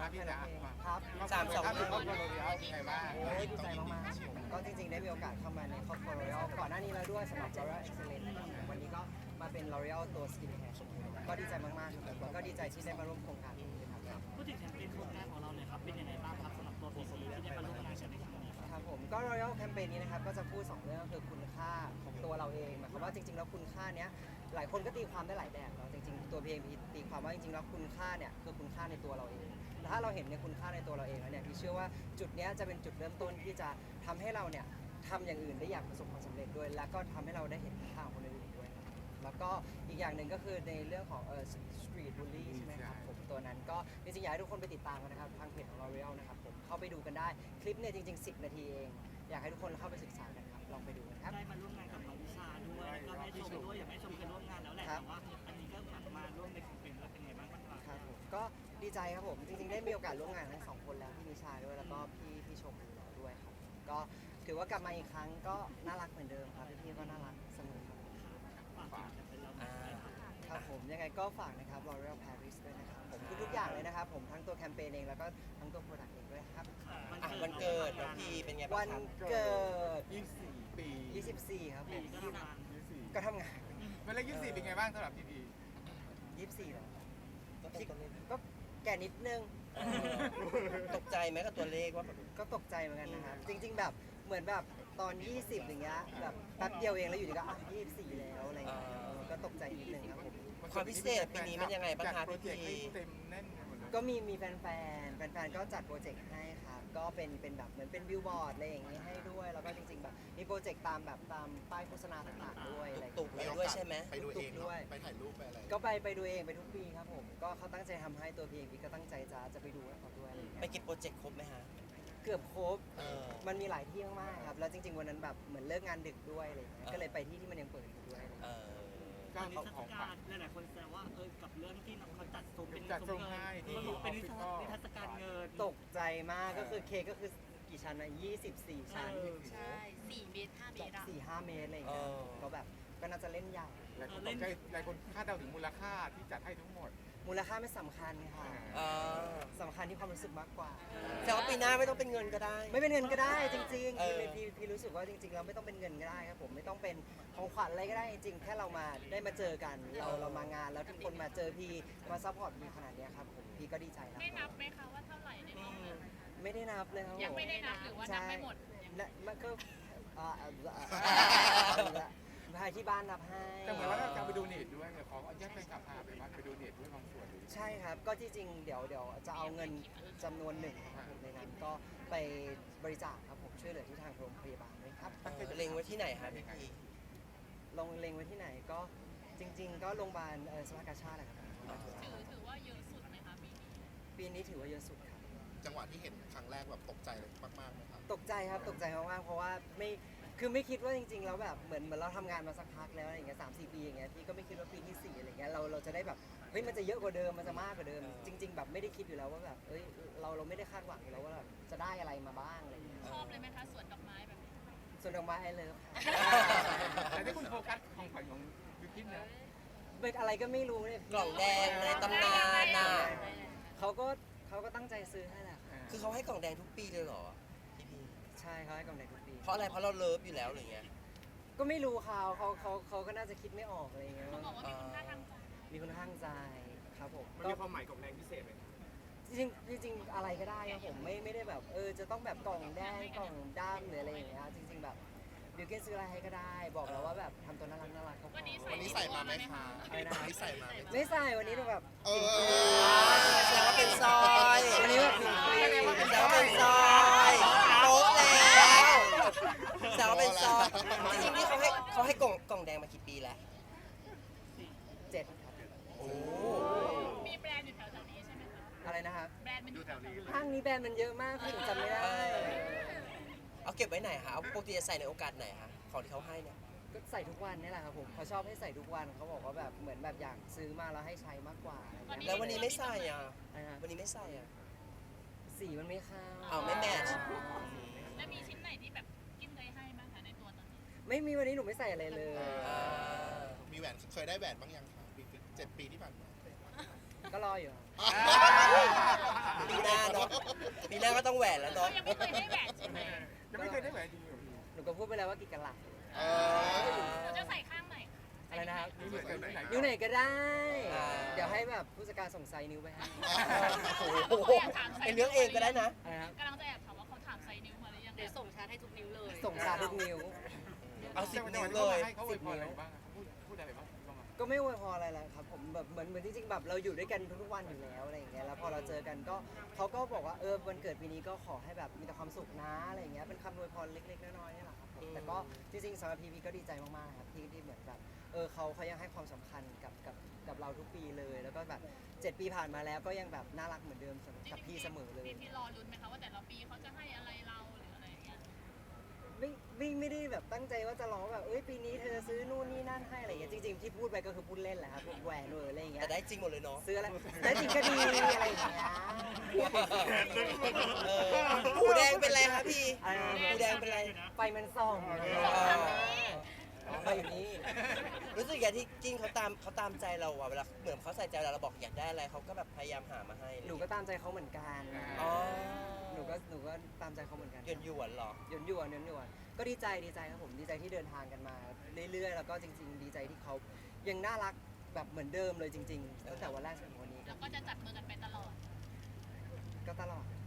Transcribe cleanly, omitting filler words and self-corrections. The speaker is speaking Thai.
พี่จ๋าครับครอบครัวโรเบียเป็นไงบ้างโอ้ยดีใจมากๆครับผมก็จริงๆได้มีโอกาสเข้ามาในครอบครัว L'Oreal ก่อนหน้านี้แล้วด้วยสำหรับ L'Oreal Excellence นะครับวันนี้ก็มาเป็น L'Oreal ตัว Skin Care ก็ดีใจมากๆครับแล้วก็ดีใจที่ได้มาร่วมโครงการนี้ครับพูดถึงแคมเปญโครงการของเราเนี่ยครับเป็นยังไงบ้างครับสำหรับตัว PC ที่ได้มาร่วมงานกันในครั้งนี้ครับครับผมก็ Royal Campaign นี้นะครับก็จะพูด2เรื่องคือคุณค่าของตัวเราเองหมายความว่าจริงๆแล้วคุณค่าเนี้ยหลายคนก็ตีความได้หลายแบบเนาะจริงๆตัวพีเองพีตีความว่าจริงๆแล้วคุณค่าเนี่ยคือคุณค่าในตัวเราเองแล้วถ้าเราเห็นในคุณค่าในตัวเราเองแล้วเนี่ยพี่เชื่อว่าจุดเนี้ยจะเป็นจุดเริ่มต้นที่จะทำให้เราเนี่ยทำอย่างอื่นได้อย่างประสบความสำเร็จด้วยแล้วก็ทำให้เราได้เห็นคุณค่าของคนอื่นด้วยครับแล้วก็อีกอย่างหนึ่งก็คือในเรื่องของstreet bully ใช่ไหมครับผมตัวนั้นก็จริงๆอยากให้ทุกคนไปติดตามกันนะครับทางเพจของ L'Oreal นะครับผมเข้าไปดูกันได้คลิปเนี่ยจริงๆ10 นาทีเอง อยากให้ทุกคนเข้าไปศึกษากันครับ ลองไปดูกันครับได้มาร่วมงานกับน้องวิชาด้วยแล้วก็แม่ชมด้วยอย่างแม่ชมเคยร่วมงานแล้วแหละแต่ว่าอันนี้ก็มาร่วมในแคมเปญแล้วเป็นไงบ้างครับครับผมก็ดีใจครับผม จริงๆ ได้มีโอกาสร่วมงานทั้งสองคนแล้วพี่นิชาด้วย แล้วก็พี่ชมด้วยครับ ก็ถือว่ากลับมาอีกครั้งก็น่ารักเหมือนเดิมครับ พี่ก็น่ารักเสมอครับฝากถึงแคมเปญเราครับผม ยังไงก็ฝากนะครับ L'Oreal Paris ด้วยนะครับผมทุกๆอย่างเลยนะครับผม ทั้งตัวแคมเปญเองแล้วก็ทั้งตัวโปรดักต์เองด้วยครับวันเกิดน้องพีเป็นไงบ้าวังนครับเกิด 24 ปี 24 ครับผมก็ทำงาน 24 ก็ทำงานเป็นเลข24เป็นไงบ้างสำหรับพี่พี 24แล้วก็เป็นตัวเลขก็แก่นิดนึงตกใจไหมกับตัวเลขว่าแบบก็ตกใจเหมือนกันนะครับ จริง ๆ แบบเหมือนแบบตอน 20 อย่างเงี้ยแบบแป๊บเดียวเองแล้วอยู่ดีก็อ่ะ24 แล้วอะไรเงี้ยก็ตกใจนิดนึงครับผมความพิเศษปีนี้มันยังไงบ้างคะโปรเจกต์พี่ให้เต็มแน่นไปหมดเลยก็มีแฟนๆก็จัดโปรเจกต์ให้ครับก็เป็นแบบเหมือนเป็นบิลบอร์ดอะไรอย่างงี้ให้ด้วย แล้วก็จริงๆแบบมีโปรเจกต์ตามแบบตามป้ายโฆษณาต่างๆด้วยอะไรตุกไปด้วยใช่ไหมไปดูเองเนด้อะวยไปถ่ายรูปไปอะไรก็ไปดูเองไปทุกปีครับผมก็เขาตั้งใจทำให้ตัวพีเองก็ตั้งใจจะไปดูให้เขาด้วยอะไรอย่างไปเงี้ยกินโปรเจกต์ครบไหมฮะเกือบครบเออมันมีหลายที่มากๆครับแล้วจริง ๆวันนั้นแบบเหมือนเลิกงานดึกด้วยอะไรอย่างเงี้ยก็เลยไปที่มันยังเปิดอยู่ด้วยอะไรอย่างเอเงี้ยอก็ตอนนี้ของเทศของกาฝากลหลายๆคนแซวว่ากับเรื่องที่เขาจัดซุ้มเป็นจัดซุ้ซุ้มมเงิให้นที่เป็นนิ Office ทรรศการเงินตกใจมากก็คือเค้กก็คือกี่ชั้นนะ24 ชั้นใช่4 เมตร 5 เมตรอะ 4-5 เมตรอะไรอย่างเงี้ยเออก็แบบก็น่าจะเล่นใหญ่หลายคนตกใจหลายคนคาดเดาถึงมูลค่าที่จัดให้ทั้งหมดมูลค่าไม่สำคัญค่ะเออสำคัญที่ความรู้สึกมากกว่าแต่ว่าปีหน้าไม่ต้องเป็นเงินก็ได้ไม่เป็นเงินก็ได้จริงๆเออพี่รู้สึกว่าจริงๆเราไม่ต้องเป็นเงินก็ได้ครับผมไม่ต้องเป็นของขวัญอะไรก็ได้จริงๆแค่เรามาได้มาเจอกันเรามางานแล้วทุกคนมาเจอพี่มาซัพพอร์ตพี่ขนาดเนี้ยครับผมพี่ก็ดีใจแล้วได้นับไหมคะว่าเท่าไหร่ในรอบนั้นไม่ได้นับเลยครับผมยังไม่ได้นับหรือว่านับไม่หมดและมันก็พายที่บ้านนับให้แต่เหมือนว่าเราจะไปดูเน็ตด้วยเนี่ยขออนุญาตไปขับพาไปวัดไปดูเน็ตด้วยบางส่วนใช่ครับ ก็ที่จริงเดี๋ยวจะเอาเงินจำนวนหนึ่งนะครับผมในนั้นก็ไปบริจาคครับผมช่วยเหลือที่ทางโรงพยาบาลด้วยครับเล็งไว้ที่ไหนฮะพี่พีลงเล็งไว้ที่ไหนก็จริง ๆ ก็โรงพยาบาลสภากาชาติแหละครับถือว่าเยอะสุดไหมคะปีนี้ปีนี้ถือว่าเยอะสุดครับจังหวะที่เห็นครั้งแรกแบบตกใจเลยมากๆไหมครับตกใจครับตกใจมากๆเพราะว่าไม่คิดว่าจริงๆแล้วแบบเหมือนเราทำงานมาสักพักแล้วอะไรอย่างเงี้ย3-4 ปีอย่างเงี้ยพี่ก็ไม่คิดว่าปีที่ 4อะไรเงี้ยเราจะได้แบบเฮ้ยมันจะเยอะกว่าเดิมมันจะมากกว่าเดิม จริง ๆ แบบไม่ได้คิดอยู่แล้วว่าแบบเอ้ยเราไม่ได้คาดหวังอยู่แล้วว่าแบบจะได้อะไรมาบ้างอะไรเงี้ยชอบเลยไหมคะสวนดอกไม้แบบนี้ส่วนดอกไม้ไอเลิฟแต่ที่คุณโฟกัสของขวัญของบิวกิ้นนะเป็นอะไรก็ไม่รู้เนี่ยกล่องแดงในตำนานน่ะเขาก็ตั้งใจซื้อให้แหละครับคือเขาให้กล่องแดงทุกปีเลยเหรอพี่พีใช่เขาให้กำไรทุกปีเพราะอะไรเพราะเราเลิฟอยู่แล้วหรือไงก็ไม่รู้เขาก็น่าจะคิดไม่ออกอะไรเงี้ยเขาบอกว่ามีคุณค่าทางใจมีคนข้างใจครับผมมันก็มีความหมายกับแรงพิเศษไหมครับจริงๆอะไรก็ได้ครับผมไม่ได้แบบจะต้องแบบกล่องแดงกล่องดำหรืออะไรอย่างเงี้ยจริง ๆแบบบิวเกนซื้ออะไรให้ก็ได้ บอกแล้วว่าแบบทำตัวน่ารักเขาพอวันนี้วันนี้ใส่มาไหมคะอะไรนะวันนี้ใส่มาไหมไม่ใส่วันนี้หนูแบบเออแสดงว่าเป็นซอยวันนี้แบบหนูฟรีแสดงว่าเป็นซอยโป๊ะแล้วแสดงว่าเป็นซอยจริงๆนี่เขาให้กล่องแดงมากี่ปีแล้ว 7ครับโอ้มีแบรนด์อยู่แถวๆนี้ใช่ไหมคะอะไรนะครับแบรนด์มันอยู่แถวนี้ห้างนี้แบรนด์มันเยอะมากพี่หนูจำไม่ได้เอาเก็บไว้ไหนคะเอาปกติจะใส่ในโอกาสไหนคะของที่เขาให้เนี่ยก็ใส่ทุกวันนี่แหละครับผมเขาชอบให้ใส่ทุกวันเขาบอกว่าแบบเหมือนแบบอยากซื้อมาแล้วให้ใช้มากกว่าอะไรเงี้ยแล้ววันนี้ไม่ใส่อ่ะอะไรนะวันนี้ไม่ใส่อ่ะสีมันไม่เข้าอ้าวไม่แมทช์แล้วมีชิ้นไหนที่แบบกินเคยให้บ้างคะในตัวตอนนี้ไม่มีวันนี้หนูไม่ใส่อะไรเลยอ่ามีแหวนเคยได้แหวนบ้างยังคะ7 ปีที่ผ่านมาก็รออยู่ปีหน้าหน้าก็ต้องแหวนแล้วเราเนาะยังไม่เคยได้แหวนใช่ไหมยังไม่เคยได้แหวนจริงเหรอพี่หนูก็พูดไปแล้วว่ากี่กะลัดเออเราจะใส่ข้างไหนอะไรนะครับนิ้วไหนนิ้วไหนนิ้วไหนก็ได้ เดี๋ยวให้แบบผู้จัดการส่งไซส์นิ้วไปให้โอ้โหไอเรื่องเองก็ได้นะอะไรนะครับกำลังจะแอบถามว่าเขาถามไซส์นิ้วมาหรือยังเดี๋ยวส่งชาร์จให้ทุกนิ้วเลยส่งชาทุกนิ้วเอา10 นิ้วเลเลย ยให้เขาอวยพรอะไรบ้างเขาพูดอะไรบ้างเข้ามาก็ไม่อวยพรอะไรเลยครับผมแบบเหมือนจริงๆแบบเราอยู่ด้วยกันทุกๆวันอยู่แล้วอะไรอย่างเงี้ยแล้วพอเราเจอกันก็เขาก็บอกว่าวันเกิดปีนี้ก็ขอให้แบบมีแต่ความสุขนะอะไรอย่างเงี้ยเป็นคำอวยพรเล็กๆน้อยๆนี่แหละครับผมแต่ก็จริงๆสำหรับพีพีก็ดีใจมากๆครับที่เหมือนแบบเขายังให้ความสำคัญกับเราทุกปีเลย แล้วก็แบบ7 ปีผ่านมาแล้วก็ยังแบบน่ารักเหมือนเดิมกับพี่เสมอเลยพี่รอลุ้นไหมคะว่าแต่ละปีเขาจะให้อะไรเราหรืออะไรอย่างเงี้ยไม่ได้แบบตั้งใจว่าจะร้องแบบปีนี้เธอจะซื้อนู่นนี่นั่นให้อะไรอย่างเงี้ยจริงๆที่พูดไปก็คือพูดเล่นแหละครับแหวนอะไรอย่างเงี้ยแต่ได้จริงหมดเลยเนาะซื้ออะไรได้จริงก็ดีอะไรอย่างเงี้ยหูแดงเป็นไรครับพี่อะไรนะหูแดงเป็นไรไฟมันส่องทางนี้ไฟอยู่นี่รู้สึกอย่างที่จิ้นเขาตามใจเราอะเวลาเหมือนเขาใส่ใจเราบอกอยากได้อะไรเขาก็แบบพยายามหามาให้หนูก็ตามใจเขาเหมือนกันอ๋อหนูก็ตามใจเขาเหมือนกันหยวนๆเหรอหยวนก็ดีใจครับผมดีใจที่เดินทางกันมาเรื่อยๆแล้วก็จริง ๆ ดีใจที่เขายังน่ารักแบบเหมือนเดิมเลยจริงๆตั้งแต่วันแรกจนถึงวันนี้แล้วก็จะจับมือกันไปตลอดก็ตลอด